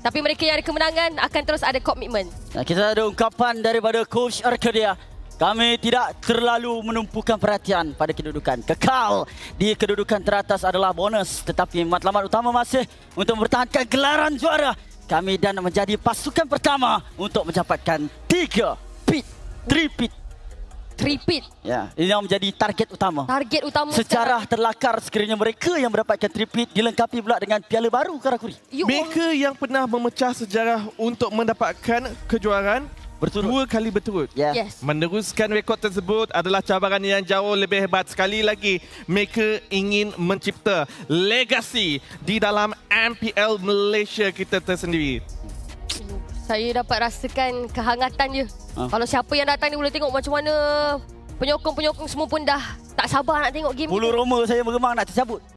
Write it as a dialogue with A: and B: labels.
A: Tapi mereka yang ada kemenangan akan terus ada komitmen.
B: Kita ada ungkapan daripada Coach Arcadia. Kami tidak terlalu menumpukan perhatian pada kedudukan. Kekal di kedudukan teratas adalah bonus. Tetapi matlamat utama masih untuk mempertahankan gelaran juara. Kami dan menjadi pasukan pertama untuk mendapatkan 3
A: Tripit.
B: Ya, ini yang menjadi target utama.
A: Target utama
B: Sejarah terlakar sekiranya mereka yang mendapatkan tripit dilengkapi pula dengan piala baru Karakuri.
C: Mereka yang pernah memecah sejarah untuk mendapatkan kejuaraan dua kali berturut.
A: Yes.
C: Meneruskan rekod tersebut adalah cabaran yang jauh lebih hebat. Sekali lagi, mereka ingin mencipta legasi di dalam MPL Malaysia kita tersendiri.
A: Saya dapat rasakan kehangatan dia. Kalau siapa yang datang ni boleh tengok macam mana penyokong-penyokong semua pun dah tak sabar nak tengok game.
B: Bulu roma saya meremang nak tercabut.